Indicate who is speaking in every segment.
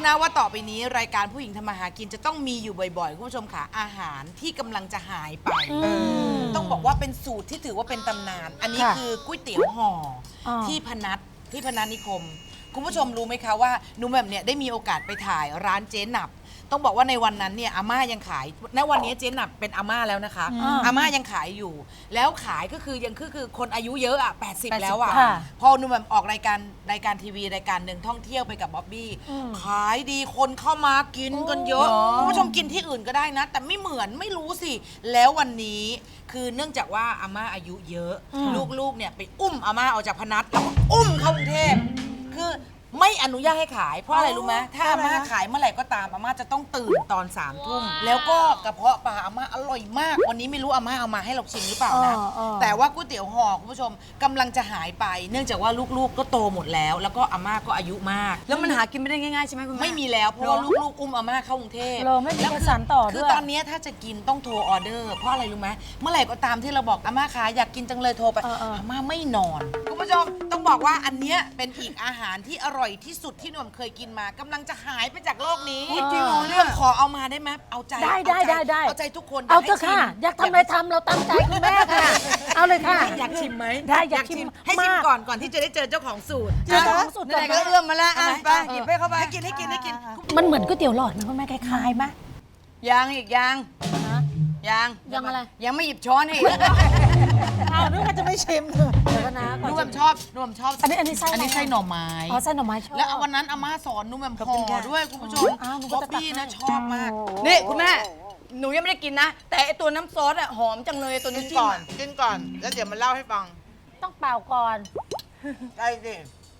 Speaker 1: นะว่าต่อไปนี้รายการผู้หญิงทำมาหากินจะต้องมีอยู่บ่อยๆคุณผู้ชมค่ะอาหารที่กำลังจะหายไปต้องบอกว่าเป็นสูตรที่ถือว่าเป็นตำนาน อันนี้คือก๋วยเตี๋ยวห่อที่พนัสนิคมคุณผู้ชมรู้ไหมคะว่าหนูแบบเนี่ยได้มีโอกาสไปถ่ายร้านเจ๊หนับต้องบอกว่าในวันนั้นเนี่ยอาม่ายังขายณวันนี้เจ๊หนับเป็นอาม่าแล้วนะคะอาม่ายังขายอยู่แล้วขายก็คือยังคือคนอายุเยอะอ่ะ80แล้วอ่ะพอหนูแบบออกรายการทีวีรายการหนึ่งท่องเที่ยวไปกับบ๊อบบี้ขายดีคนเข้ามากินกันเยอะคุณผู้ชมกินที่อื่นก็ได้นะแต่ไม่เหมือนไม่รู้สิแล้ววันนี้คือเนื่องจากว่าอาม่าอายุเยอะลูกๆเนี่ยไปอุ้มอาม่าออกจากพนัสแล้วก็อุ้มเข้ากรุงเทพคือไม่อนุญาตให้ขายเพราะอะไรรู้ไหมถ้าอาม่าขายเมื่อไหร่ก็ตามอาม่าจะต้องตื่นตอน3 ทุ่มแล้วก็กระเพาะปลาอาม่าอร่อยมากวันนี้ไม่รู้อาม่าเอามาให้เราชิมหรือเปล่านะแต่ว่าก๋วยเตี๋ยวห่อคุณผู้ชมกำลังจะหายไป เนื่องจากว่าลูกๆก็โตหมดแล้วแล้วก็อาม่าก็อายุมาก
Speaker 2: แล้วมันหากินไม่ได้ง่ายๆใช่ไหมคุณแม่
Speaker 1: ไม่มีแล้วเพราะว่าลูกๆอุ้มอาม่าเข้ากรุงเทพ
Speaker 3: เราไม่มีการสานต่อด้วย
Speaker 1: คือตอนนี้ถ้าจะกินต้องโทรออเดอร์เพราะอะไรรู้ไหมเมื่อไหร่ก็ตามที่เราบอกอาม่าคะอยากกินจังเลยโทรไปอาม่าไม่นอนคุณผู้ชมต้องบอกว่าอันเนี้ยเป็นอีกอาหารที่อร่อยที่สุดที่หนุ่มเคยกินมากำลังจะหายไปจากโลกนี้จริงเหรอเนี่ยขอเอามาได้ไหมเอาใจ
Speaker 3: ได้
Speaker 1: เอาใจทุกคน
Speaker 3: เอาเถอะค่ะอยากทำอะไรทำเราตามใจคุณแม่ค่ะเอาเลยค่ะ
Speaker 1: อยากชิมไหม
Speaker 3: ได้อยากชิม
Speaker 1: ให้ชิมก่อนที่จะได้เจอเจ้าของสูตร
Speaker 3: เจอเจ้าของสูตร
Speaker 2: ไหนๆก็เอื้อมมาแล้วไปหยิบให้เข้าไป
Speaker 1: ให้กิน
Speaker 3: มันเหมือนก๋วยเตี๋ยวหลอดนะคุณแม่คล้ายๆไหม
Speaker 2: ยังอีกยัง
Speaker 3: อะไร
Speaker 2: ยังไม่หยิบช้อนอีก
Speaker 3: อ้าวนึกว่าจะไม่ชิมเดี๋ยวนะ
Speaker 1: นุ่มชอบอันนี้ไส้หน่อไม้
Speaker 3: อ๋อไส้หน่อไม้ชอบ
Speaker 1: แล้ววันนั้นอาม่าสอนนุ่มแบบห่อด้วยคุณผู้ชมบ๊อบบี้นะชอบมาก
Speaker 2: นี่คุณแม่หนูยังไม่ได้กินนะแต่ไอตัวน้ำซอสอะหอมจังเลยตัวนี้
Speaker 1: กินก่อนแล้วเดี๋ยวมาเล่าให้ฟัง
Speaker 3: ต้องเป่าก่อน
Speaker 1: ได้สิ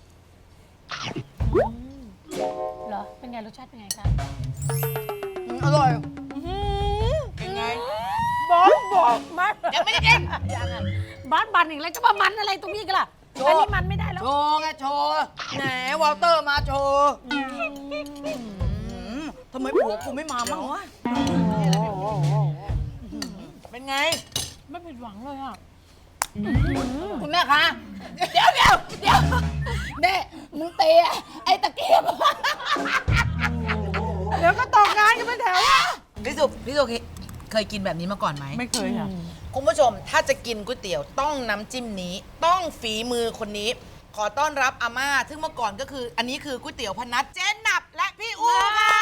Speaker 3: เหรอเป็นไงรสชาติเป็นไงคะ
Speaker 2: อร่อย
Speaker 1: เป็นไง
Speaker 3: บอกมัน
Speaker 1: ยังไม่ได้กิน
Speaker 3: บ้านบันอีกแล้วจะมามันอะไรตรงนี้กันล่ะอันนี้มันไม่ได้แล้ว
Speaker 2: โชว์ไงโชว์แหนวอลเตอร์มาโชว์ทำไมผัวกูไม่มาบ้างวะ
Speaker 1: เป็นไง
Speaker 3: ไม่ผิดหวังเลยอ่ะ
Speaker 2: คุณแม่คะเดี๋ยวเน่มึงเตะไอ้ตะเกียบ
Speaker 3: เดี๋ยวก็ตกงานกันเป็นแถว
Speaker 1: พี่สุเคยกินแบบนี้มาก่อนไหม
Speaker 3: ไม่เคยค่ะ
Speaker 1: คุณผู้ชมถ้าจะกินก๋วยเตี๋ยวต้องน้ำจิ้มนี้ต้องฝีมือคนนี้ขอต้อนรับอาม่าซึ่งเมื่อก่อนก็คืออันนี้คือก๋วยเตี๋ยวพนัสเจ๊หนับและพี่อู๋ค่ะ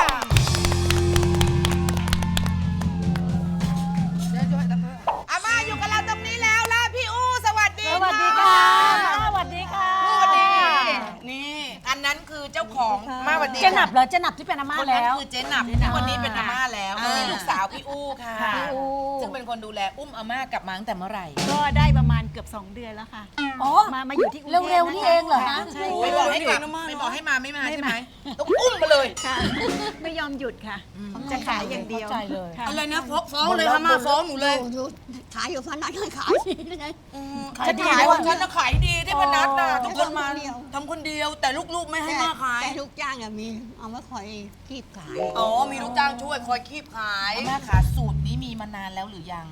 Speaker 1: อาม่าอยู่กับเราตรงนี้แล้วล่ะพี่อู๋สวัสดี
Speaker 3: สวัสดีค่ะสวัสดีค่ะ
Speaker 1: นี่อันนั้นคือเจ้าของมาวันนี้
Speaker 3: เจ๊หนับเหรอเจ๊หนับที่เป็นอาม่าแล้ว
Speaker 1: คนนั้นคือเจ๊หนับที่วันนี้เป็นอาม่าแล้วนี่ลูกสาวพี่อู๋ค่ะซึ่งเป็นคนดูแลอุ้มอาม่ากลับมาตั้งแต่เมื่อไหร่
Speaker 4: ก็ได้ประมาณเกือบ2 เดือนแล้วค่ะมาอยู่ที่กรุงเทพ
Speaker 3: เร็วๆนี่เองเหรอฮะ
Speaker 1: ไม่บอกให้มาไม่มาใช่ไหมต้องอุ้มมาเลย
Speaker 4: ค่ะไม่ยอมหยุดค่ะจะขายอย่างเดียว
Speaker 2: อะไรนะฟ้องเลยค่ะมาฟ้องหนูเลย
Speaker 4: ขายอยู่พนัสขายดีเลย
Speaker 1: จะขายวันฉันจะขายดีที่พนัสน่ะทุกคนมา
Speaker 2: ทำคนเดียวแต่ลูกๆไม่ให้มาขาย
Speaker 4: แต่ลูกจ้างมีเอามาคอยคีบขาย
Speaker 2: อ๋อมีลูกจ้างช่วยคอยคีบขาย
Speaker 1: แม่ขาสูตรนี้มีมานานแล้วหรือยัง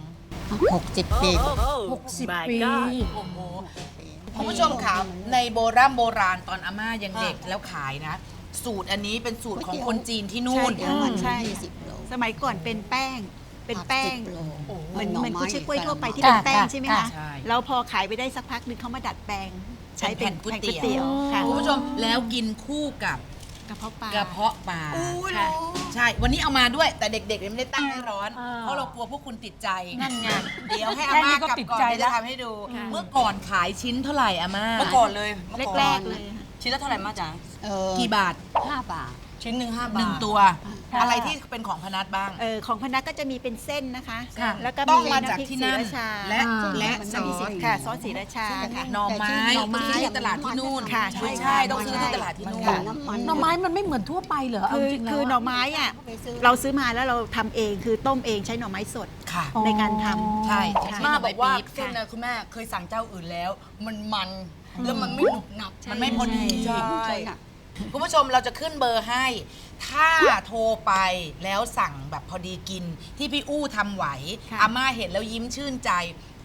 Speaker 4: 60 ปี
Speaker 3: 60 ปี
Speaker 1: โอ้โหคุณผู้ชมค่ะในโบราณตอนอาม่ายังเด็กแล้วขายนะสูตรอันนี้เป็นสูตรของคนจีนที่นู่น
Speaker 4: ใช่สมัยก่อนเป็นแป้งเหมือนกุ้ยช่ายกล้วยทั่วไปที่เป็นแป้งใช่ไหมคะแล้วพอขายไปได้สักพักนึงเขามาดัดแปลงใช้เป็นก๋วยเตี๋ยว
Speaker 1: คุณผู้ชมแล้วกินคู่กับ
Speaker 4: กระเพาะปลา
Speaker 1: ใช่วันนี้เอามาด้วยแต่เด็กๆไม่ได้ตั้งให้ร้อนเพราะเรากลัวพวกคุณติดใจ
Speaker 3: นั่นไง
Speaker 1: เดี๋ยวให้อาม่ากลับก่อนจะทำให้ดูเมื่อก่อนขายชิ้นเท่าไหร่อาม่า
Speaker 2: เมื่อก่อนเลย
Speaker 4: แรกเลย
Speaker 2: ชิ้นละเท่าไหร่มาจ๋า
Speaker 1: กี่บาท
Speaker 4: 5 บาท
Speaker 2: ชิ้นหนึ่ง5 บาท
Speaker 1: 1 ตัวอะไรที่เป็นของพนัสบ้าง
Speaker 4: ของพนัสก็จะมีเป็นเส้นนะคะแล้วก็
Speaker 1: ต้องมาจากที่นั่นและซอส
Speaker 4: ค่ะซอสศรีราชาค่ะ
Speaker 1: หน่อไม้ที่ตลาดที่นู่น
Speaker 4: ค่ะ
Speaker 1: ใช่ต้องซื้อที่ตลาดที่นู่น
Speaker 3: หน่อไม้มันไม่เหมือนทั่วไปเหรอ
Speaker 4: คือหน่อไม้อ่ะเราซื้อมาแล้วเราทำเองคือต้มเองใช้หน่อไม้สดในการทำ
Speaker 1: ใช่
Speaker 2: มาบอกว่าเส้นนะคุณแม่เคยสั่งเจ้าอื่นแล้วมันแล้วมันไม่หนุบหนับ
Speaker 1: มันไม่พอดี
Speaker 2: ใช่
Speaker 1: คุณผู้ชมเราจะขึ้นเบอร์ให้ถ้าโทรไปแล้วสั่งแบบพอดีกินที่พี่อู้ทำไหวอาม่าเห็นแล้วยิ้มชื่นใจ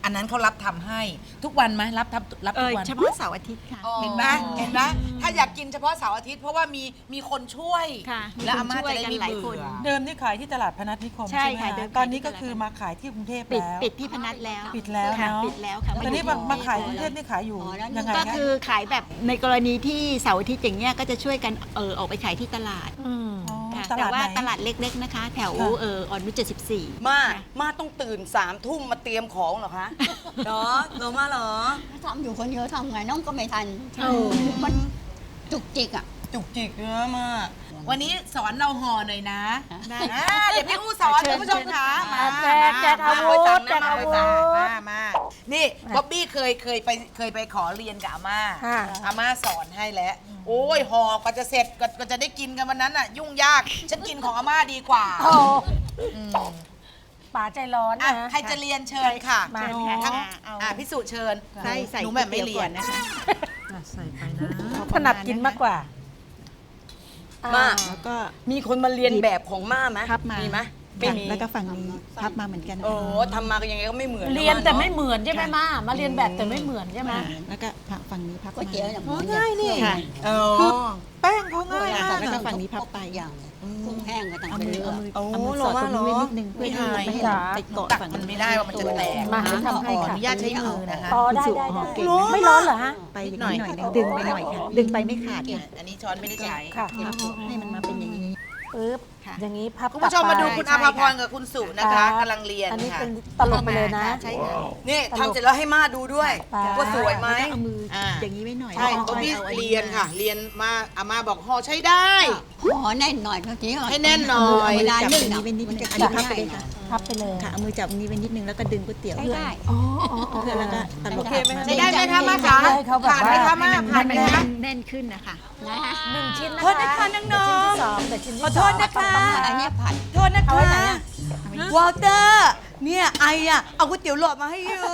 Speaker 1: อันนั้นเขารับทำให้ทุกวันไหมรับทุกวัน
Speaker 4: เฉพาะเสาร์อาทิตย์ค่ะ
Speaker 1: เห็นไหมถ้าอยากกินเฉพาะเสาร์อาทิตย์เพราะว่ามีคนช่วย
Speaker 4: ค่ะ
Speaker 1: และอาม่า
Speaker 4: มีคนช่วย
Speaker 1: จะได้
Speaker 4: กัน
Speaker 1: ไม่
Speaker 4: หลาย
Speaker 1: เบื่
Speaker 4: คน
Speaker 1: อ
Speaker 5: เดิมนี่ขายที่ตลาดพนัสนิคม
Speaker 4: ใช่
Speaker 5: ใช่ไหม
Speaker 4: ค่ะ
Speaker 5: คะ
Speaker 4: เดิม
Speaker 5: ตอนนี้
Speaker 4: ขายที่
Speaker 5: ก็
Speaker 4: ตลาด
Speaker 5: คือมาขายที่กรุงเทพ
Speaker 4: ปิด
Speaker 5: แล้ว
Speaker 4: ปิดที่พนัสแล้ว
Speaker 5: ปิดแล้ว
Speaker 4: ค่ะ
Speaker 5: เนาะ
Speaker 4: ปิดแล้วค่ะ
Speaker 5: ตอนนี้
Speaker 4: อยู่
Speaker 5: มาขายกรุงเทพนี่ขายอยู่ยังไง
Speaker 4: ก็
Speaker 5: คะ
Speaker 4: คือขายแบบในกรณีที่เสาร์อาทิตย์อย่างเงี้ยก็จะช่วยกันออกไปขายที่ตลาด
Speaker 3: อืม
Speaker 5: อ๋อ
Speaker 4: ค่ะ
Speaker 5: ต
Speaker 4: แต่
Speaker 5: ลาด
Speaker 4: ว่า
Speaker 5: ไหน
Speaker 4: ตลาดเล็กๆนะคะ แถว
Speaker 5: ค่ะ
Speaker 4: อ่อนนุช74
Speaker 6: มาต้องตื่น3 ทุ่มมาเตรียมของเหรอคะเหรอมาเหรอ
Speaker 2: ทำอยู่คนเดียวทำไงน้องก็ไม่ทัน
Speaker 3: เออ
Speaker 2: มันจุกจิกอ่ะ
Speaker 6: จุกจิกเนื้อมา
Speaker 1: วันนี้สอนเราห่อหน่อยนะ
Speaker 4: ได้
Speaker 1: เดี๋ยวพี่อู้สอน
Speaker 4: เชิญ
Speaker 1: คุณผู้ชมค่ะมา
Speaker 3: แจกอาวุธ
Speaker 1: แจกอาวุธ
Speaker 3: แจกอาวุธ
Speaker 1: มานี่บ๊อบบี้เคยไปขอเรียนกับอาม่า
Speaker 3: ค่ะ
Speaker 1: อาม่าสอนให้แล้ว โอ้ยห่อกว่าจะเสร็จก็จะได้กินกันวันนั้นอ่ะ ยุ่งยาก ฉันกินของอาม่าดีกว่า
Speaker 3: โอ้ป๋าใจร้อน
Speaker 1: อ่ะ
Speaker 3: นะ
Speaker 1: ใครจะเรียนเชิญค่ะ
Speaker 3: มา
Speaker 1: ทั้ง
Speaker 4: เอา
Speaker 1: พิสูจน์เชิญ
Speaker 4: ใส่
Speaker 1: หนูแบบไม่เรียน
Speaker 4: นะคะ
Speaker 5: ใส่ไปนะ
Speaker 3: ถนัดกินมากกว่า
Speaker 6: มา
Speaker 4: แล้วก็
Speaker 6: มีคนมาเรียนแบบของม่าไหม
Speaker 4: พับมา
Speaker 6: มีไหม
Speaker 4: ไม่
Speaker 6: ไม่มี
Speaker 4: แล้วก็ฝั่งนี้พับมาเหมือนกัน
Speaker 6: โอ้ทำมาก็ยังไงก็ไม่เหมือน
Speaker 3: เรียนแต่ไม่เหมือนใช่ไหมมาเรียนแบบแต่ไม่เหมือนใช่ไหม
Speaker 4: แล้วก็ฝั่งนี้พับ
Speaker 2: ก๋วยเตี๋ยวอย่าง
Speaker 5: อ๋อง่ายนี่
Speaker 4: ค่ะ
Speaker 6: เออ
Speaker 5: แป้งเขาง่ายมาก
Speaker 4: แล้วก็
Speaker 5: อะ
Speaker 4: ฝั่งนี้พับไป
Speaker 2: อย่างกุ้งแห้งก็ต้อง
Speaker 4: เอา
Speaker 2: เป็น
Speaker 4: มือ
Speaker 2: เรือ
Speaker 4: เอามือสอดตรงนี้ไว้นิดนึงเพื่อที่จะไม่ให้เราไปเกาะ
Speaker 1: ตัก
Speaker 4: ฝั่ง
Speaker 1: มันไม่ได้ว่ามันจะแตก
Speaker 3: มาให้ทำให้
Speaker 1: ขออ
Speaker 3: ค่ะ
Speaker 1: นุญาตใช้มือนะคะ
Speaker 3: อ๋อได้
Speaker 4: เก่ง
Speaker 3: ไม่ร้อนเหรอฮะ
Speaker 4: ไปอย่างนี้หน่อยนึงดึงไปหน่อยค่ะ ดึงไปไม่ขาดค่ะ
Speaker 1: อันนี้ช้อนไม่ได้ใช้
Speaker 3: ค่ะ
Speaker 4: ให้มันมาเป็นอย่างนี้
Speaker 3: ปึ๊บ
Speaker 4: ค่ะ
Speaker 3: อย่างนี้พับ
Speaker 1: คุณผู้ชมมาดูคุณ
Speaker 3: กลั
Speaker 1: อา
Speaker 3: บ
Speaker 1: ภา
Speaker 3: ไป
Speaker 1: พรกับคุณสุนะคะกำลังเรียน
Speaker 3: อันนี้
Speaker 1: ค่ะ
Speaker 3: เป็นตลกไปเลยนะ
Speaker 4: ใช่ค่ะ
Speaker 6: นี่ทำเสร็จแล้วให้ม่าดูด้วย
Speaker 3: ค่ะ
Speaker 6: ว่าสวยไหม
Speaker 4: แล้วก็เอามืออย่างนี้ไว้หน่อย
Speaker 1: ใช่
Speaker 4: แล้ว
Speaker 1: ก็
Speaker 4: ก็
Speaker 1: พี่
Speaker 4: อาอั
Speaker 1: เรียนค่ะ เรียนมาอาม่าบอกห่อใช้ได้
Speaker 2: ขอแน่นหน่อยเมื่อกี้
Speaker 1: ให้แน่นหน่อย
Speaker 2: เวลา
Speaker 4: จับ
Speaker 2: นึ่
Speaker 4: ตรง งนี้ไว้นิดนึงอันนี้พับไปเลยค่ะ
Speaker 3: พับไปเลย
Speaker 4: ค่ะเอามือจับตรงนี้ไว้นิดนึงแล้วก็ดึงก๋วยเตี๋ยว
Speaker 2: ใช้ได้
Speaker 3: อ๋ออ๋ออ๋อ
Speaker 4: เพื่อแล้วก็ตลบ
Speaker 2: โอเคไหม
Speaker 1: ใช้ได้ไหมคะมาคะ
Speaker 3: ให้เขาแบบ
Speaker 1: ผ่านไหม
Speaker 3: ว่า
Speaker 1: คะมาผ่านไหมคะ
Speaker 4: แน่นขึ้นนะคะ
Speaker 2: นะฮะ
Speaker 3: หนึ่งชิ้นนะคะ
Speaker 6: โทษนะคะน้องๆ
Speaker 3: เดี๋ยวชิ้นที่สองเดี๋ยวชิ้นที่
Speaker 6: ขอโทษนะคะ
Speaker 2: อันนี้ผัด
Speaker 6: โทษนะ
Speaker 3: เอา
Speaker 6: คะ
Speaker 3: ไว้ไหนอะ
Speaker 6: วอลเตอร์ เนี่ยไออะเอาก๋วยเตี๋ยวหลอดมาให้อยู่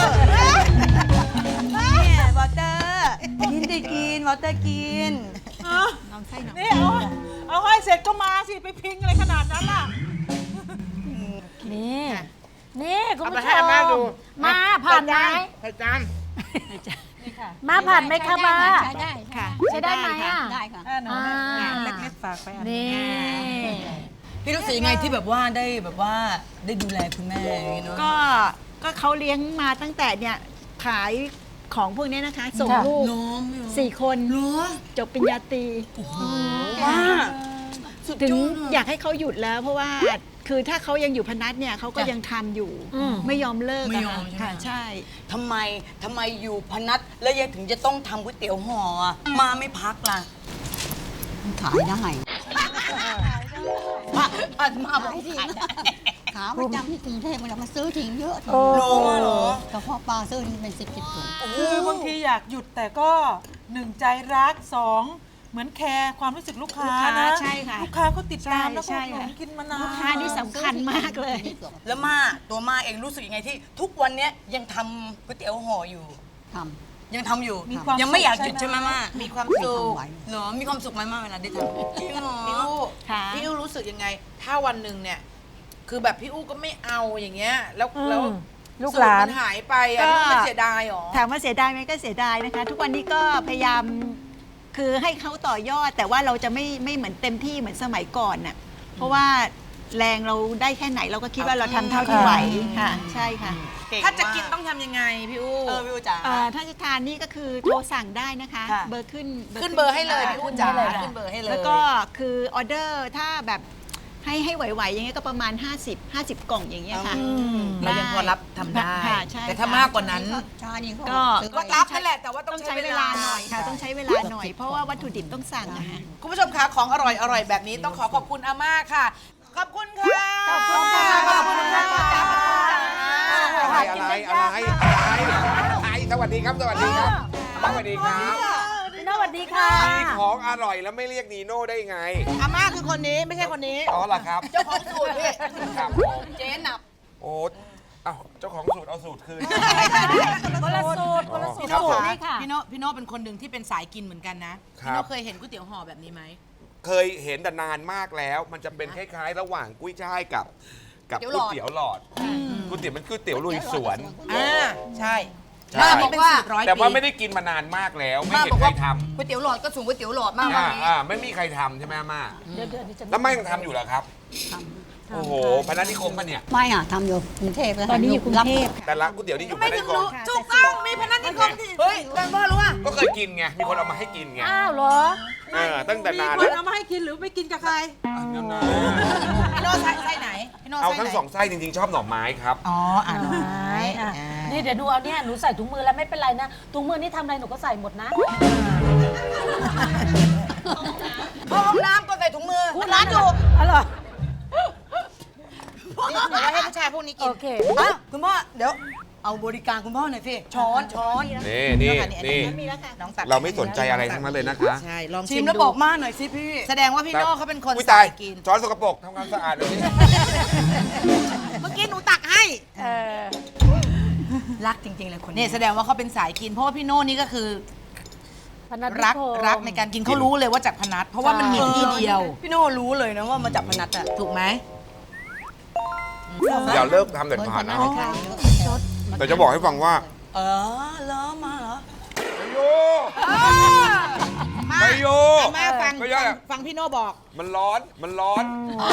Speaker 6: เนี่ยวอลเตอร์กินได้กินวอลเตอร์กิน
Speaker 4: ลองไส้หน่อย
Speaker 5: นี่เอาให้เสร็จก็มาสิไปพิงอะไรขนาดนั้นล่ะ
Speaker 3: นี่นี่คุณ
Speaker 1: เอาไป
Speaker 3: ผู้ช
Speaker 1: ให้อาม่าดู
Speaker 3: มาผ่านไหม
Speaker 1: ใส่จาน
Speaker 3: มาผ่านไหมคะมา
Speaker 2: ใช้ได้
Speaker 4: ค่ะ
Speaker 3: ใช้ได้ไหมอ่ะ
Speaker 2: ได้ค่ะ
Speaker 5: หนู
Speaker 3: อ่า
Speaker 5: เล็กๆฝากไปอัน
Speaker 3: นี่
Speaker 6: พี่รู้สึกยังไงที่แบบว่าได้ดูแลคุณแม่อย่างนี้เนาะ
Speaker 4: ก็เขาเลี้ยงมาตั้งแต่เนี่ยขายของพวกนี้นะคะ ส่งลูก
Speaker 6: น้องไม่รู้
Speaker 4: 4 คนจบปริญญาตรี
Speaker 6: ว่าสุด
Speaker 4: ถึง
Speaker 6: ยอด
Speaker 4: อยากให้เขาหยุดแล้วเพราะว่าคือถ้าเขายังอยู่พนัสเนี่ยเขาก็ยังทำอยู่ ไม่ยอมเลิก
Speaker 6: ไม่
Speaker 4: อะ
Speaker 6: ยอ
Speaker 4: ค่ะ
Speaker 6: มใช่ไหม
Speaker 4: ค่ะใช่
Speaker 6: ทำไมอยู่พนัสแล้วยังถึงจะต้องทำก๋วยเตี๋ยวห่ออะมาไม่พักล่ะ
Speaker 2: ขายได้
Speaker 6: มาบอกขายได้
Speaker 2: ขาประจำที่กรุงเทพมันมาซื้อทิ้งเยอะ
Speaker 3: โอ้
Speaker 6: รู้ว่าเหรอ
Speaker 2: แต่พอปลาซื้อนี่เป็น10 ถุง
Speaker 5: คือบางทีอยากหยุดแต่ก็หนึ่งใจรักสองเหมือนแคร์ความรู้สึกลูกค้านะ
Speaker 4: ใช่ค่ะ
Speaker 5: ลูกค้าเขาติดตาม
Speaker 4: ใช่
Speaker 5: แล้วก็
Speaker 4: ใช่
Speaker 5: หนุ
Speaker 4: ค่ะ
Speaker 5: นกินมานาน
Speaker 4: ลูกค้านี่สำคัญมากเลย
Speaker 6: แล้วตัวมาเองรู้สึกยังไงที่ทุกวันเนี้ยยังทำก๋วยเตี๋ยวห่ออยู่
Speaker 2: ท
Speaker 6: ยังทำอยู่
Speaker 5: มีความ
Speaker 6: ยังไม่อยากหยุด
Speaker 5: สุข
Speaker 6: ใช่ไหมม่า
Speaker 1: มีความ
Speaker 2: ำ
Speaker 1: สุข
Speaker 2: ไหว
Speaker 6: เหรอมีความสุขไหมม่าเวลาได้ทำจริงเหรอ
Speaker 1: พี่อู้
Speaker 4: ค่ะ
Speaker 1: พี่อู้รู้สึกยังไง ถ้าวันหนึ่งเนี่ย คือแบบพี่อู้ก็ไม่เอาอย่างเงี้ย แล้ว
Speaker 3: อืม
Speaker 1: แล้ว
Speaker 3: ลูกหลาน
Speaker 1: สูตรมันหายไปอ่ะ
Speaker 4: ก็
Speaker 1: พี่อู้ไม่เสียดายหรอ
Speaker 4: ถามว่าเสียดายไหมก็เสียดายนะคะ ทุกวันนี้ก็พยายามคือให้เขาต่อยอด แต่ว่าเราจะไม่เหมือนเต็มที่เหมือนสมัยก่อนน่ะเพราะว่าแรงเราได้แค่ไหนเราก็คิดว่าเราทำเท่าที่ไหวค่ะ ใช่ค่ะ
Speaker 1: ถ้าจะกินต้องทำยังไงพี่อู้
Speaker 6: พี่อูจ๋า
Speaker 4: ถ้าจะทานนี่ก็คือโทรสั่งได้นะคะ
Speaker 6: ค่ะ
Speaker 4: เบอร์ขึ้น
Speaker 1: ขึ้นเบอร์ให้เลยพี่อู้จ๋า
Speaker 3: ขึ้นให้เลยค่ะ
Speaker 1: ขึ้นเบอร์ให้เลย
Speaker 4: แล้วก็คือออเดอร์ถ้าแบบให้ไหวๆอย่างเงี้ยก็ประมาณ 50 กล่องอย่างเงี้ยค่ะ
Speaker 1: เรายังพอรับทำได้
Speaker 4: ค่ะใช่
Speaker 1: แต่ถ้ามากกว่านั้น
Speaker 2: ชานี่
Speaker 4: ก็
Speaker 1: ก็รับนั่นแหละแต่ว่าต้
Speaker 4: ต้
Speaker 1: อ
Speaker 4: อง ง
Speaker 1: ใช้
Speaker 4: ใช้
Speaker 1: เว
Speaker 4: เว
Speaker 1: ลา
Speaker 4: ลา
Speaker 1: ห
Speaker 4: ห
Speaker 1: น่
Speaker 4: น่
Speaker 1: อ
Speaker 4: อย ยค่ะต้องใช้เวลาหน่อยเพราะว่าวัตถุดิบต้องสั่งอะค่ะ
Speaker 1: คุณผู้ชมคะของอร่อยแบบนี้ต้องขอขอบคุณอาม่าค่ะ ขอบคุณค่ะ
Speaker 3: ขอบคุณค่ะ
Speaker 1: ขอบคุณค่ะ
Speaker 7: อะไรสวัสดีครับ สวัสดีครับ สวัสดีครับ
Speaker 3: พี่โน้ตสวัสดีค่ะ
Speaker 7: มีของอร่อยแล้วไม่เรียกนีโน่ได้ไง
Speaker 1: อาม่าคือคนนี้ไม่ใช่คนนี้
Speaker 7: อ๋อเหรอครับ
Speaker 1: เจ้าของสูตรพี่
Speaker 7: ครับผม
Speaker 1: เจ๊หนับ
Speaker 7: โอ้เอ้าเจ้าของสูตรเอาสูตรคืน
Speaker 3: คนละสูตรคนละสูตร
Speaker 1: พี่โน้
Speaker 3: สูตร
Speaker 1: ค่ะ
Speaker 3: นี่ค่ะ
Speaker 1: พี่โน้เป็นคนหนึ่งที่เป็นสายกินเหมือนกันนะ
Speaker 7: ครับ
Speaker 1: พี่โน้เคยเห็นก๋วยเตี๋ยวห่อแบบนี้ไหม
Speaker 7: เคยเห็นแต่นานมากแล้ว มันจะเป็นคล้ายๆ ระหว่างกุ้ยช่ายกับก๋วยเตี๋ยวหลอดก๋ก๋วยเตี๋ยวมันก๋วยเตี๋ยวลุยสวน
Speaker 1: ใช่
Speaker 7: ใช่
Speaker 1: นี่เป็นสูตร100
Speaker 7: แต่ว่า
Speaker 1: ปี
Speaker 7: ไม่ได้กินมานานมากแล้ว ไม่
Speaker 6: มา
Speaker 7: เห็
Speaker 6: บ
Speaker 7: น
Speaker 6: อก
Speaker 7: ใคร
Speaker 6: ว่า
Speaker 7: ท
Speaker 6: ก๋วยเตี๋ยวหลอดก็สูงก๋วยเตี๋ยวหลอดมาก
Speaker 7: ำ
Speaker 6: วันนี้
Speaker 7: ไม่มีใครทำใช่ไหมอาม่า
Speaker 3: เดี๋ยวจะ
Speaker 7: แล้วแม่ยังทำอยู่เหรอครับโอ้โหพนัสนิคมปะเนี่ย
Speaker 8: ไม่อ่ะทำอยู่กรุงเทพแล้ว
Speaker 4: ตอนนี้อยู่กรุงเทพ
Speaker 7: แต่ร้านก๋วยเตี๋ยวที่อยู่พ
Speaker 1: ไม่
Speaker 7: นัส
Speaker 1: ถึ
Speaker 7: นิ
Speaker 1: ง
Speaker 7: คม
Speaker 1: รู้ถูกต้องมีพนักงานที่เฮ้ยแฟนพ่อรู้อ่ะ
Speaker 7: ก็เคยกินไงมีคนเอามาให้กินไง
Speaker 3: อ้าวเหรอ
Speaker 7: ตั้งแต่นาน
Speaker 5: ค
Speaker 7: แล้
Speaker 5: น
Speaker 7: ว
Speaker 5: เอามาให้กินหรือไม่กินกับใคร
Speaker 1: พี่โน่ไส้ไหนพี่โน่
Speaker 7: เอา
Speaker 1: ไส้
Speaker 7: ทั้ง
Speaker 1: ไหน
Speaker 7: สองไส้จริงๆชอบหน่อไม้ครับ
Speaker 1: อ๋อหน่อไม้
Speaker 3: อ่ะนี่เดี๋ยวดูเอาเนี่ยหนูใส่ถุงมือแล้วไม่เป็นไรนะถุงมือนี่ทำอะไรหนูก็ใส่หมดนะ
Speaker 1: เข้าห้องน้ำก็ใส่ถุงมือ
Speaker 3: พูดร้านอยู่อ๋อเหรอ
Speaker 1: นี่เดี๋ยวไว้ให้ผู้ชายพวกนี้กิ
Speaker 3: โอน เค
Speaker 6: อ่ะคุณพ่อเดี๋ยวเอาบริการคุณพ่อหน่อยสิช้อน
Speaker 7: นี่
Speaker 1: น้องตัด
Speaker 7: เราไม่สนใจอะไรทั้งนั้นเลยนะคะ
Speaker 1: ใช่ลอง
Speaker 6: ชิ
Speaker 1: ชิ
Speaker 6: ม
Speaker 1: ม
Speaker 6: แล้ว
Speaker 1: ดู
Speaker 6: บอกมาหน่อยสิพี่
Speaker 1: แสดงว่าพี่โน่เขาเป็นคน
Speaker 7: อุ๊ย
Speaker 1: สา
Speaker 7: ตาย
Speaker 1: ยกิน
Speaker 7: ช้อนสกปรกทำความสะอาดเลยนี่
Speaker 1: เมื่อกี้หนูตักให้
Speaker 6: รักจริงๆเลยคน
Speaker 1: นี่แสดงว่าเขาเป็นสายกิน เพราะว่าพี่โน่นี่ก็คือ
Speaker 3: พนัสนิ
Speaker 1: รัก
Speaker 3: คม
Speaker 1: รักในการกินเขารู้เลยว่าจากพนัสเพราะว่ามันมีที่เดียว
Speaker 6: พี่โน่รู้เลยนะว่ามาจากพนัสอ่ะ
Speaker 1: ถูกไหม
Speaker 7: อย่าเลิกทำเด็ดขาดนะแต่จะบอกให้ฟังว่า
Speaker 6: เหรอมาเหรอ
Speaker 7: ไม่โย
Speaker 1: แม่ฟัง
Speaker 7: ไม่ยอดอะ
Speaker 1: ฟังพี่โน่บอก
Speaker 7: มันร้อนมันร้อน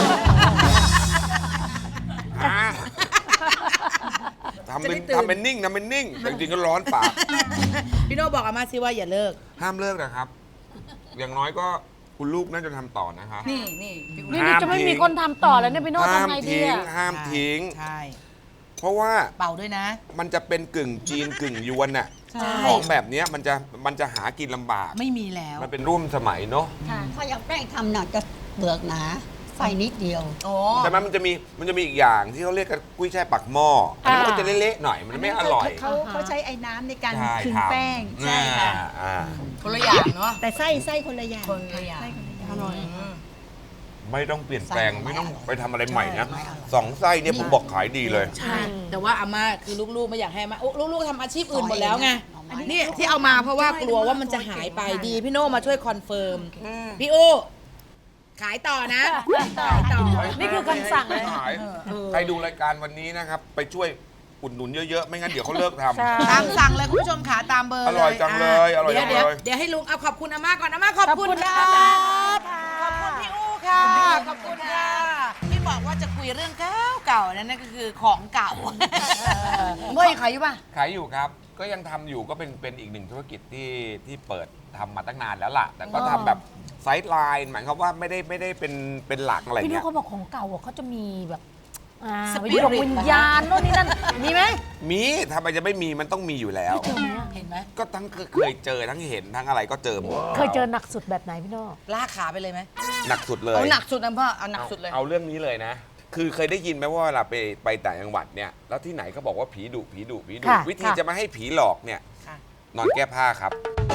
Speaker 7: อ่ะทำเป็น
Speaker 1: จะได้ตื่น
Speaker 7: ทำเป็นนิ่งทำเป็นนิ่งแต่จริงๆก็ร้อนปาก
Speaker 1: พี่โน่บอกอาม่าซิว่าอย่าเลิก
Speaker 7: ห้ามเลิกนะครับ อย่างน้อยก็คุณลูกน่าจะทำต่อนะคะ
Speaker 6: นี่พี่
Speaker 3: นี่จะไม่มีคนทำต่อแล้วเนี่ยพี่โน้ต
Speaker 7: ห้าม
Speaker 3: ทำไงดี
Speaker 7: ทิ้ง
Speaker 3: อะ
Speaker 7: ห้ามทิ้ง
Speaker 1: ใช่
Speaker 7: เพราะว่า
Speaker 1: เป่าด้วยนะ
Speaker 7: มันจะเป็นกึ่งจีนกึ่งยวนน่ะ
Speaker 1: ใช่
Speaker 7: ของแบบเนี้ยมันจะหากินลำบาก
Speaker 1: ไม่มีแล้ว
Speaker 7: มันเป็นร่วมสมัยเนาะ
Speaker 8: ถ้าอยากแป้งทำหนักจะเปลือกหนาไฟนิดเดียว
Speaker 1: โอ้
Speaker 7: แต่มันจะมีอีกอย่างที่เขาเรียกกันกุ้ยช่ายปักหม้ออันนั้นก็จะเละๆหน่อยมันไม่อร่อย
Speaker 4: เขาใช้ไอ้น้ำในการ
Speaker 7: ใช่
Speaker 4: คึง
Speaker 7: ครับ
Speaker 4: แป้ง
Speaker 7: ใช่ค่ะอ่า
Speaker 1: คนละอย่างเนาะ
Speaker 4: แต่ไส้คนละอย่าง
Speaker 1: คนละอย่าง
Speaker 4: ไส้คนละอย่างอร่อย
Speaker 7: ไม่ต้องเปลี่ยนแปลงไม่ต้องไปทำอะไรใหม่นะสองไส้เนี่ยผมบอกขายดีเลย
Speaker 1: ใช่ แต่ว่าอาม่าคือลูกๆไม่อยากให้อามาลูกๆทำอาชีพอื่นหมดแล้วไงนี่ที่เอามาเพราะว่ากลัวว่ามันจะหายไปดีพี่โน่มาช่วยคอนเฟิร์มพี่โอ้ขายต่อนะขายต่อ
Speaker 3: นี่คือคำสั่งเลย
Speaker 7: ขายใครดูรายการวันนี้นะครับ ไปช่วยอุดหนุนเยอะๆ ไม่งั้นเดี๋ยวเขาเลิกทำ
Speaker 3: ใช่
Speaker 1: ตามสั่งเลยคุณผู้ชมขาตามเบอร์
Speaker 7: อร่อยจังเลยอร่อยจังเลย
Speaker 1: เดี๋ยวให้ลุงเอาขอบคุณอาม่าก่อนอาม่าขอบคุณ
Speaker 3: ขอบคุณ
Speaker 1: ค่ะ
Speaker 3: อาม่า
Speaker 1: ขอบคุณพี่อู้ค่ะ ขอบคุณค่ะที่บอกว่าจะคุยเรื่องเก่าๆนั่นก็คือของเก่า
Speaker 6: เมื่อขายอยู่ป่ะ
Speaker 7: ขายอยู่ครับ ก็ยังทำอยู่ก็เป็นอีกหนึ่งธุรกิจที่เปิดทำมาตั้งนานแล้วล่ะ แต่ก็ทำแบบไซด์ไลน์หมายความว่าไม่ได้เป็นหลักอะไร
Speaker 3: พี่โน้
Speaker 7: เงี้
Speaker 3: ต
Speaker 7: ย
Speaker 3: เขาบอกของเก่าอะเขาจะมีแบบ
Speaker 1: Spirit
Speaker 3: วิญญาณโน่นนี่นั่นมีไหม
Speaker 7: มีทำไมจะไม่มีมันต้องมีอยู่แล้ว
Speaker 1: เห็นไหม
Speaker 7: ก็ทั้งเคยเจอทั้งเห็นทั้งอะไรก็เจอหมด
Speaker 3: เคยเจอหนักสุดแบบไหนพี่โน้ต
Speaker 1: ลากขาไปเลยไหม
Speaker 7: หนักสุดเลย
Speaker 6: เอาหนักสุดนะพ่อเอาหนักสุดเลย
Speaker 7: เอาเรื่องนี้เลยนะ คือเคยได้ยินไหมว่าเวลาไปต่างจังหวัดเนี่ย แล้วที่ไหนเขาบอกว่าผีดุวิธีจะไม่ให้ผีหลอกเนี่ย
Speaker 1: ค่ะ
Speaker 7: นอนแก้ผ้าครับ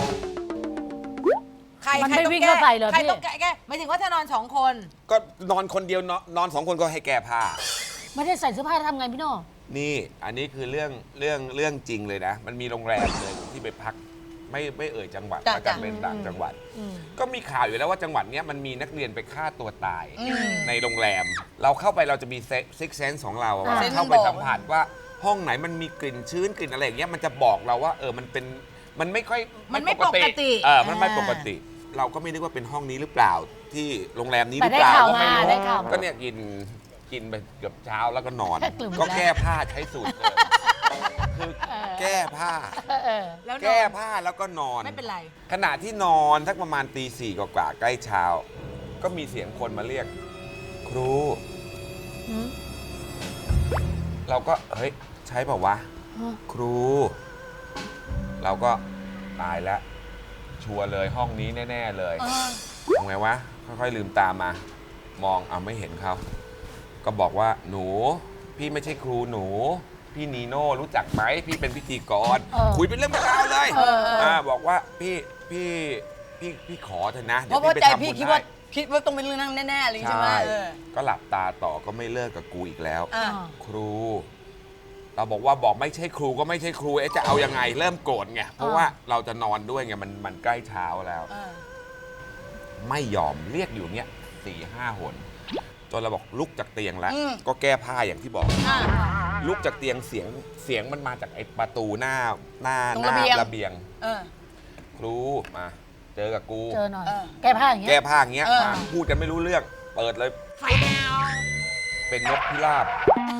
Speaker 1: ใคร
Speaker 3: มัน
Speaker 1: ใคร
Speaker 3: ไม่
Speaker 1: ต้อง
Speaker 3: วิ่ง
Speaker 1: แก้
Speaker 3: เข้าใส่เหรอ
Speaker 1: ใคร
Speaker 3: พี่
Speaker 1: ต้องแก้หมายถึงว่าถ้านอนสองคน
Speaker 7: ก็นอนคนเดียวนอนสองคนก็ให้แก้ผ้า
Speaker 3: ไม่ได้ใส่เสื้อผ้าทำไงพี่โน้ต
Speaker 7: นี่อันนี้คือเรื่องจริงเลยนะ มันมีโรงแรมเลยที่ไปพักไม่เอ่ยจังหวัด
Speaker 6: จ้ะ
Speaker 7: แล้วกันเป็นต่างจังหวัด ก็มีข่าวอยู่แล้วว่าจังหวัดเนี้ยมันมีนักเรียนไปฆ่าตัวตายในโรงแรม เราเข้าไปเราจะมีซิกเซนส์ของเราอะว่า
Speaker 6: เซนส์
Speaker 7: เข้าไป
Speaker 6: บอก
Speaker 7: สัมผัสว่าห้องไหนมันมีกลิ่นชื้นกลิ่นอะไรอย่างเงี้ยมันจะบอกเราว่ามันไม่ค่อย
Speaker 1: มันไม่ปกติ
Speaker 7: มันไม่ปกติ เราก็ไม่นึกว่าเป็นห้องนี้หรือเปล่าที่โรงแรมนี้ห
Speaker 3: แต่
Speaker 7: รือ
Speaker 3: ได้
Speaker 7: เปล่า
Speaker 3: ข่าว
Speaker 7: ก็
Speaker 3: มา
Speaker 7: ไม่รู้
Speaker 3: ได้ข่าวมา
Speaker 7: ก็เนี่ยกินไปเกือบเช้าแล้วก็นอน
Speaker 3: กลุ่ม
Speaker 7: ก็
Speaker 3: แล้ว
Speaker 7: แก้ผ้าใช้สูตรเลยคือแก้ผ้า
Speaker 1: แล้วนอน
Speaker 7: แก้ผ้าแล้วก็นอน
Speaker 1: ไม่เป็นไร
Speaker 7: ขณะที่นอนทักประมาณตีสี่กว่าๆใกล้เช้า ก็มีเสียงคนมาเรียก ครู เราก็เฮ้ยใช่เปล่าวะ ครู เราก็ตายแล้ว ชัวร์เลยห้องนี้แน่ ๆ เลยทำไงวะ ค่อยๆลืมตามมา มองไม่เห็นเขา ก็บอกว่าหนู พี่ไม่ใช่ครูหนู พี่นีโน่รู้จักไหมพี่เป็นพิธีกร คุยเป็นเรื่องเป็นราวเลยบอกว่าพี่ขอเถอะนะ
Speaker 6: เพ
Speaker 7: เดี๋ยว
Speaker 6: ราะว่า
Speaker 7: พี่ไป
Speaker 6: ใจ
Speaker 7: ทำบุ
Speaker 6: พี่
Speaker 7: ญ
Speaker 6: คิด
Speaker 7: ให้
Speaker 6: ว่าต้องเป็นเรื่องนั้นแน่ๆเลยใช่ไหม
Speaker 7: ใช่ก็หลับตาต่อก็ไม่เลิกกับกูอีกแล้ว
Speaker 6: อ่ะ
Speaker 7: ครู เราบอกไม่ใช่ครูก็ไม่ใช่ครูจะเอายังไงเริ่มโกรธไงเพราะว่าเราจะนอนด้วยไงมันใกล้เช้าแล้ว ไม่ยอมเรียกอยู่เนี้ย4-5 หนจนเราบอกลุกจากเตียงแล้ว ก็แก้ผ้าอย่างที่บอกลุกจากเตียงเสียงมันมาจากไอ้ประตูหน้า
Speaker 2: ตรงระเบียง
Speaker 7: ระเบียง
Speaker 2: เออ
Speaker 7: ครูมาเจอกับกู
Speaker 3: เจอหน่อย
Speaker 2: เออ
Speaker 3: แก้ผ้าอย่างเงี้
Speaker 7: แก้
Speaker 3: ย
Speaker 7: ผ้าอย่างเงี้ย
Speaker 2: เออ
Speaker 7: มาพูดกันไม่รู้เรื่อง เปิดเลย เป็นนกพิราบ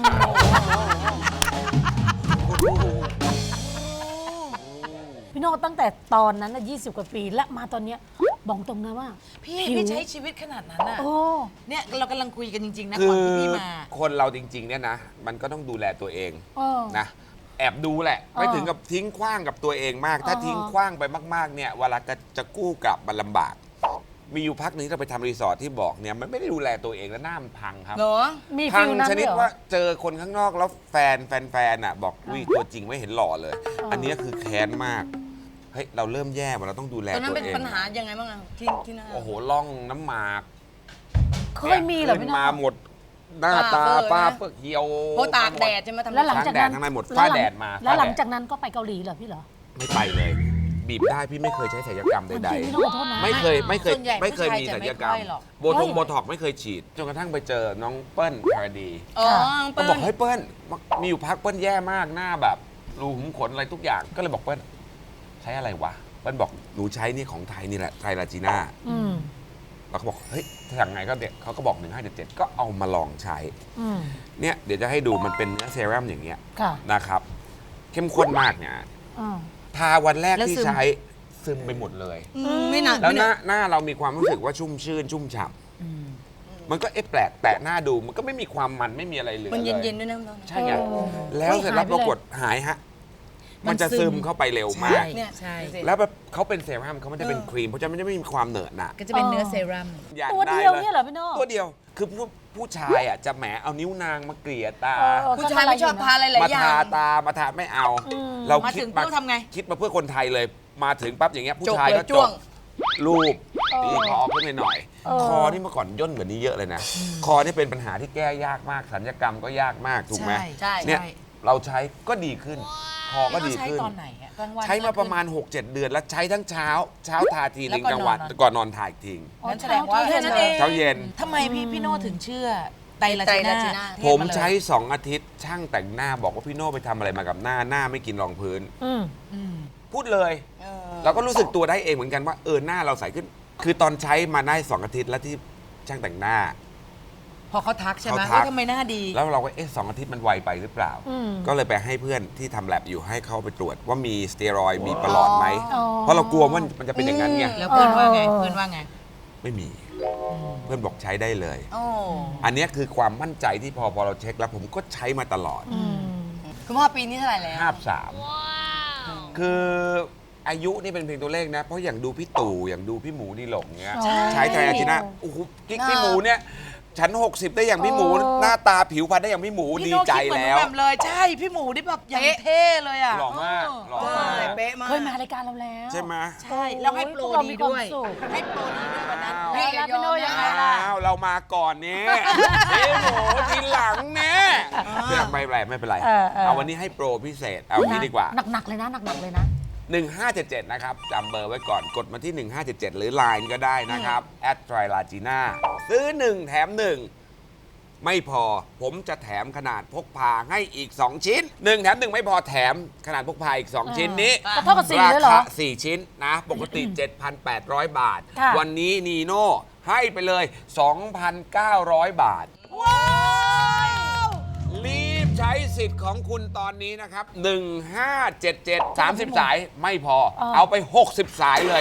Speaker 3: พี่โน่ตั้งแต่ตอนนั้นน่ะ20 กว่าปี และมาตอนเนี้ยบอกตรงนะว่า
Speaker 1: พี่
Speaker 3: ผิว
Speaker 1: พี่ใช้ชีวิตขนาดนั้นอ่ะ
Speaker 3: โอ้
Speaker 1: เนี่ยเรากำลังคุยกันจริง ๆ นะ
Speaker 7: คื
Speaker 1: ก่อน
Speaker 7: อ
Speaker 1: ที่พี่มา
Speaker 7: คนเราจริง ๆ เนี่ยนะ มันก็ต้องดูแลตัวเอง
Speaker 3: เออ
Speaker 7: นะ แอบดูแหละ ไม่
Speaker 3: เออ
Speaker 7: ถึงกับทิ้งขว้างกับตัวเองมาก ถ้า
Speaker 3: เออ
Speaker 7: ทิ้งขว้างไปมากๆเนี่ยเวลาจะกู้กลับมันลำบาก มีอยู่พักหนึงที่เราไปทำรีสอร์ทที่บอกเนี่ยมันไม่ได้ดูแลตัวเองแล้วหน้ามันพังครับ
Speaker 2: เหรอ
Speaker 3: มี
Speaker 7: พั
Speaker 3: ฟิ
Speaker 7: ง
Speaker 3: ลนั้น
Speaker 7: ชนิด
Speaker 3: ด้วยเหรอ
Speaker 7: ว่าเจอคนข้างนอกแล้วแฟนอ่ะบอกวิตัวจริงไม่เห็นหล่อเลย อันเนี้ยคือแค้นมาก เฮ้ยเราเริ่มแย่ว่ะเราต้องดูแล
Speaker 2: ตอนนั้น
Speaker 7: ตัว
Speaker 2: เป็น
Speaker 7: เอง
Speaker 2: ปัญหายังไงบ้างอะที่หน้า
Speaker 7: โอ้โหล่องน้ำหมาก
Speaker 3: เคยมีเหรอพี่โน่
Speaker 7: มาหมดหน้าตา
Speaker 2: ฝ้า
Speaker 7: ป้า
Speaker 2: เฟอร์นะ
Speaker 7: เปื้อกเหี่ยว
Speaker 2: เพราะตากแดดใช่ไหมทำ
Speaker 3: แล้วหลังจากนั้น
Speaker 7: ทั้งในหมดฝ้าแดดมา
Speaker 3: แล้วหลัง
Speaker 7: ฝ้าแดด
Speaker 3: จากนั้นก็ไปเกาหลีเหรอพี่เหรอ
Speaker 7: ไม่ไปเลย บีบได้พี่ไม่เคยใช้ศัลยกรรมใด
Speaker 3: จริงพี่โน่ขอโทษนะ
Speaker 7: ๆไม่เคย
Speaker 1: ส่วนใหญ่
Speaker 7: ไม่เคย
Speaker 1: ผู้ชาย
Speaker 7: มี
Speaker 1: จะ
Speaker 7: ศัล
Speaker 1: ไม่
Speaker 7: ยกรรม
Speaker 1: ค่อยหรอก
Speaker 7: โบท็อกไม่เคยฉีดจนกระทั่งไปเจอน้องเปิ้ลพาราดี
Speaker 2: อ๋อ
Speaker 7: ก็
Speaker 2: เปิ้
Speaker 7: บอก
Speaker 2: ล
Speaker 7: เฮ้ยเปิ้ลมีอยู่พักเปิ้ลแย่มากหน้าแบบรูขุมขนอะไรทุกอย่างก็เลยบอกเปิ้ลใช้อะไรวะเปิ้ลบอกหนูใช้นี่ของไทยนี่แหละไทยลาจีน่า
Speaker 3: อืม
Speaker 7: เราก็บอกเฮ้ยสั่งไงก็เด็กเขาก็บอก1577ก็เอามาลองใช้
Speaker 3: อืม
Speaker 7: เนี่ยเดี๋ยวจะให้ดูมันเป็นเนื้อเซรั่มอย่างเงี้ย
Speaker 3: ค่ะ
Speaker 7: นะครับ เข้มข้นมากเนี่ย
Speaker 3: อ่า
Speaker 7: ทาวันแรก
Speaker 1: แล้ว
Speaker 7: ที่
Speaker 1: ซึม
Speaker 7: ใช้ซึมไปหมดเลย
Speaker 2: ไม่หนัก
Speaker 7: แล้ว
Speaker 2: ไม่
Speaker 7: ห
Speaker 2: หนั
Speaker 7: น้าก หน้าเรามีความรู้สึกว่าชุ่มชื่น ชุ่มฉ่ำมันก็แปลกแตะหน้าดูมันก็ไม่มีความมันไม่มีอะไรเหลือ
Speaker 2: มัน
Speaker 7: เล
Speaker 2: เย็
Speaker 7: ย
Speaker 2: นๆด้วยนะพี่โน่
Speaker 7: ใช่ไง
Speaker 3: เออ
Speaker 7: แล้วเสร็จแล้ว
Speaker 3: หายไปเลย
Speaker 7: ปรากฏหายฮะ มันจะซึมเข้าไปเร็วมาก
Speaker 2: เนี่ย
Speaker 1: ใช่
Speaker 7: แล้วแบบเขาเป็นเซรั่มเขาไม่ได้เป็นครีมเพราะฉะนั้นมันจะไม่มีความเหนอะหนะ
Speaker 1: ก็จะเป็นเนื้อเซรั่ม
Speaker 7: อยาก
Speaker 3: ตัว
Speaker 7: ได้
Speaker 3: เดียว
Speaker 7: ล
Speaker 3: เนี่ยเหรอพี่โน่
Speaker 7: ตัวเดียว คือผู้ชายอ่ะจะแหมเอานิ้วนางมาเกลี่ยตา
Speaker 3: เออ
Speaker 2: ผู้ชายไม่ชอบทาอะไรหลาย
Speaker 7: มา
Speaker 2: อย่า
Speaker 7: ทาง ตามาทาไม่เอา
Speaker 3: อืม
Speaker 7: เรา
Speaker 1: มา
Speaker 7: คิ
Speaker 1: ถึ
Speaker 7: ด
Speaker 1: งปุ๊บทำไง
Speaker 7: คิดมาเพื่อคนไทยเลย มาถึงปั๊บอย่างเงี้ยผู้
Speaker 2: จก
Speaker 7: ชาย
Speaker 2: เลย
Speaker 7: ก็
Speaker 2: จ้วง
Speaker 7: รูป
Speaker 3: เออ
Speaker 7: ตีคอขึ้นไปหน่อย
Speaker 3: เออ
Speaker 7: คอนี่เมื่อก่อนย่นกว่านี้เยอะเลยนะ คอนี่เป็นปัญหาที่แก้ยากมากสัญญกรรมก็ยากมากถูกไหม
Speaker 2: ใช่
Speaker 7: เนี่ยเราใช้ก็ดีขึ้น คอก็ดี
Speaker 1: ใช้
Speaker 7: ขึ้น
Speaker 1: ตอนไหนอะกลางวัน
Speaker 7: ใช้มาประมาณ 6-7 เดือนแล้วใช้ทั้งเช้าทาทีนึง
Speaker 1: แล้ว
Speaker 7: กลางวัน
Speaker 1: ก่อนนอน
Speaker 7: ก่อนนอนถ่ายทิ้ง
Speaker 1: งั้นแสดงว่า
Speaker 2: แค่นั้นเอง
Speaker 7: เช้าเย็น
Speaker 1: ทำไมพี่โน่ถึงเชื่อไตรลาจี
Speaker 2: ไตรลาจีน่า
Speaker 1: น่า
Speaker 7: ผมใช้ 2 อาทิตย์ ช่างแต่งหน้าบอกว่าพี่โน่ไปทำอะไรมากับหน้าไม่กินรองพื้น
Speaker 3: อืม
Speaker 7: พูดเลย เราก็รู้สึกตัวได้เองเหมือนกันว่าหน้าเราใสขึ้น คือตอนใช้มาได้ 2 อาทิตย์แล้วที่ช่างแต่งหน้า
Speaker 1: พอเขาทักใช่ไหม
Speaker 7: เขาทัก
Speaker 1: ว่าทำไมหน้าดี
Speaker 7: แล้วเราก็2 อาทิตย์มันไวไปหรือเปล่า
Speaker 3: อืม
Speaker 7: ก็เลยไปให้เพื่อนที่ทำแลบอยู่ให้เขาไปตรวจว่ามีสเตียรอยด์มีประหลอดไหม
Speaker 3: อ๋อ
Speaker 7: เพราะเรากลัวว่ามันจะเป็นอย่างนั้นไง
Speaker 1: แล้วเพื่อนว่าไง
Speaker 3: เออ
Speaker 1: เพื่อนว่าไง
Speaker 7: ไม่มี เพื่อนบอกใช้ได้เลย
Speaker 2: โอ้
Speaker 7: อันเนี้ยคือความมั่นใจที่พอเราเช็คแล้วผมก็ใช้มาตลอด
Speaker 3: อืม
Speaker 2: คุณพ่อปีนี้เท่าไหร่แล้ว
Speaker 7: 53คืออายุนี่เป็นเพียงตัวเลขนะ เพราะอย่างดูพี่ตู่อย่างดูพี่หมูดีหลงเนี้ย
Speaker 3: ใช่
Speaker 7: ใช้ไทรอาจินะโอ้โหกิ๊กพี่หมูเนี่ย ฉัน 60 ได้อย่างพี่หมู
Speaker 3: เออ
Speaker 7: หน้าตาผิวพรรณได้อย่างพี่หมู
Speaker 1: พี่
Speaker 7: ดี
Speaker 1: โน่
Speaker 7: ใจ
Speaker 1: คิดเหมือน
Speaker 7: แล้ว
Speaker 1: แหม่มเลยใช่พี่หมูนี่แบบอย่างเท่เลยอ่ะ
Speaker 7: หล่อมากหล่อมาก
Speaker 2: เป๊ะมาก
Speaker 3: เคยมารายการเราแล้ว
Speaker 7: ใช่ไหม
Speaker 1: ใช่แล้วให้โปร
Speaker 3: พวกเรา
Speaker 1: ดี
Speaker 3: มีความ
Speaker 1: ด้วย
Speaker 3: สุข
Speaker 1: ให้โปรดีด้วยวันนั้น
Speaker 3: เฮ้ยแล้วพี่โน่ยังไงล่ะ
Speaker 7: อ้าวเรามาก่อนนี่พี่หมูทีหลังเนี่ยไม่เป็นไร เอาวันนี้ให้โปรพิเศษเอานี้ดีกว่า
Speaker 3: หนักๆเลยนะหนักๆเลยนะ
Speaker 7: 1577 นะครับจำเบอร์ไว้ก่อนกดมาที่ 1577 หรือ Line ก็ได้นะครับแอดไตรลาจีน่าซื้อ 1 แถม 1 ไม่พอผมจะแถมขนาดพกพาให้อีก 2 ชิ้น 1 แถม 1 ไม่พอแถมขนาดพกพาอีก 2 ชิ้นนี้
Speaker 3: ก็เท่ากับสี่เลยเหรอ
Speaker 7: ราคา4 ชิ้นนะ ปกติ 7,800 บาท
Speaker 3: ค่ะ
Speaker 7: วันนี้นีโน่ให้ไปเลย 2,900 บาท รีบใช้สิทธิ์ของคุณตอนนี้นะครับ 1577 30 สายไม่พอ เอาไป 60 สายเลย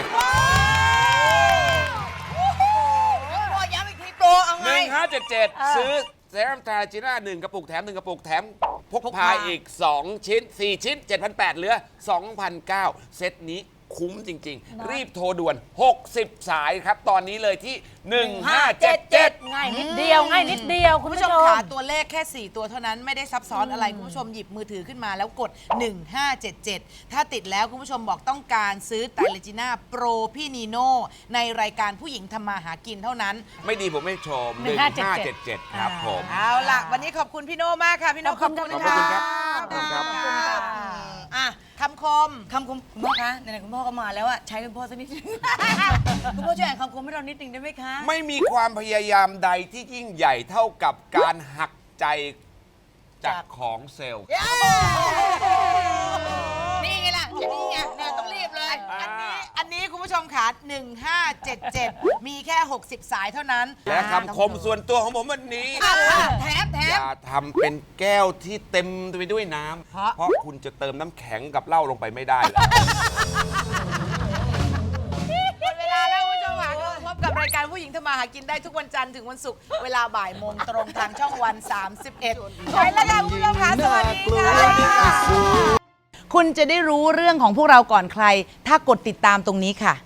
Speaker 2: พ่อย้ำอีกทีโปรเอาไง
Speaker 7: 1577 ซื้อเซรั่มทาจิน่า1กระปุกแถม 1 กระปุกแถมพกพาอีก 2 ชิ้น 4 ชิ้น 7,800 เหลือ 2,900 เซตนี้คุ้มจริง ๆ รีบโทรด่วน 60 สายครับ ตอนนี้เลยที่ 1577
Speaker 3: ง่ายนิดเดียวง่ายนิดเดียวคุ
Speaker 1: คุณ ณ
Speaker 3: ผู้
Speaker 1: ผู้
Speaker 3: ช
Speaker 1: ช
Speaker 3: ม
Speaker 1: มขาตัวเลขแค่ 4 ตัวเท่านั้นไม่ได้ซับซ้อนอะไร คุณผู้ชมหยิบมือถือขึ้นมาแล้วกด 1577 ถ้าติดแล้วคุณผู้ชมบอกต้องการซื้อไตรลาจีน่าโปรพี่นีโน่ในรายการผู้หญิงทำมาหากินเท่านั้น
Speaker 7: ไม่ดีผมไม่ชม 1577 ครับผม
Speaker 1: เอาล่ะ วันนี้ขอบคุณพี่โน่มากค่ะ พี่โน่
Speaker 3: ขอบคุณ
Speaker 7: ขอบคุณครับขอบคุณครับ
Speaker 1: ขอบคุณค่ะอ่ะคำคม
Speaker 2: คำคมคุณพ่อคะไหนๆคุณพ่อก็มาแล้วอะใช้คุณพ่อสักนิด คุณพ่อช่วยอ่านคำคมให้เรานิดนึงได้ไหมคะ
Speaker 7: ไม่มีความพยายามใดที่ยิ่งใหญ่เท่ากับการหักใจจากของเซลล์
Speaker 1: นี่ไงล่ะนี่ไงเนี่ยต้องรีบเลย อันนี้คุณผู้ชมค่ะ1577 มีแค่ 60 สายเท่านั้น
Speaker 7: และคำคมส่วนตัวของผมวันนี้
Speaker 1: แถม
Speaker 7: อย่าทำเป็นแก้วที่เต็มไปด้วยน้ำ เพราะคุณจะเติมน้ำแข็งกับเหล้าลงไปไม่ได้เลย
Speaker 1: หมดเวลาแล้วคุณผู้ชมค่ะพบกับรายการผู้หญิงทำมาหากินได้ทุกวันจันทร์ถึงวันศุกร์เวลาบ่ายโมงตรงทางช่องวัน 31ไปแล้วค่ะคุณผู้ชมค่ะสวัสดีค่ะคุณจะได้รู้เรื่องของพวกเราก่อนใคร ถ้ากดติดตามตรงนี้ค่ะ